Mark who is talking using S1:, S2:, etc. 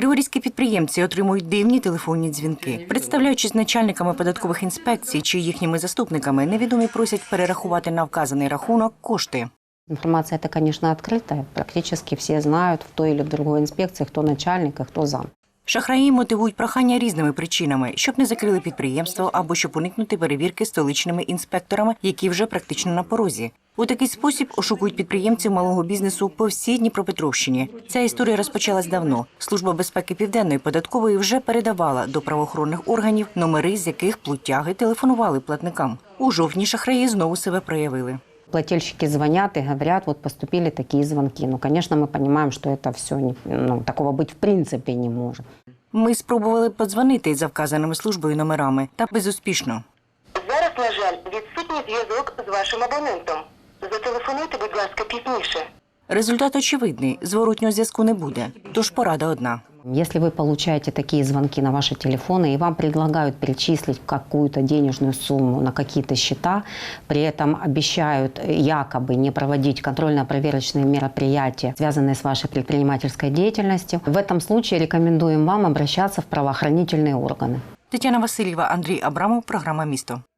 S1: Криворізькі підприємці отримують дивні телефонні дзвінки. Представляючись начальниками податкових інспекцій чи їхніми заступниками, невідомі просять перерахувати на вказаний рахунок кошти.
S2: Информация это, конечно, открытая. Практически все знают в той или в другой инспекции, кто начальник, а кто зам.
S1: Шахраї мотивують прохання різними причинами, щоб не закрили підприємство або щоб уникнути перевірки столичними інспекторами, які вже практично на порозі. У такий спосіб ошукують підприємців малого бізнесу по всій Дніпропетровщині. Ця історія розпочалась давно. Служба безпеки Південної податкової вже передавала до правоохоронних органів номери, з яких плутяги телефонували платникам. У жовтні шахраї знову себе проявили.
S2: Плательщики звонят и говорят, вот поступили такие звонки. Ну, конечно, мы понимаем, что это все, такого быть в принципе не может.
S1: Ми спробували подзвонити за вказаними службою номерами, та безуспішно.
S3: Зараз, на жаль, відсутній зв'язок з вашим абонентом. Зателефонуйте, будь ласка, пізніше.
S1: Результат очевидний – зворотнього зв'язку не буде. Тож порада одна.
S2: Если вы получаете такие звонки на ваши телефоны и вам предлагают перечислить какую-то денежную сумму на какие-то счета, при этом обещают якобы не проводить контрольно-проверочные мероприятия, связанные с вашей предпринимательской деятельностью, в этом случае рекомендуем вам обращаться в правоохранительные органы.
S1: Тетяна Васильєва, Андрій Абрамов, програма «Місто».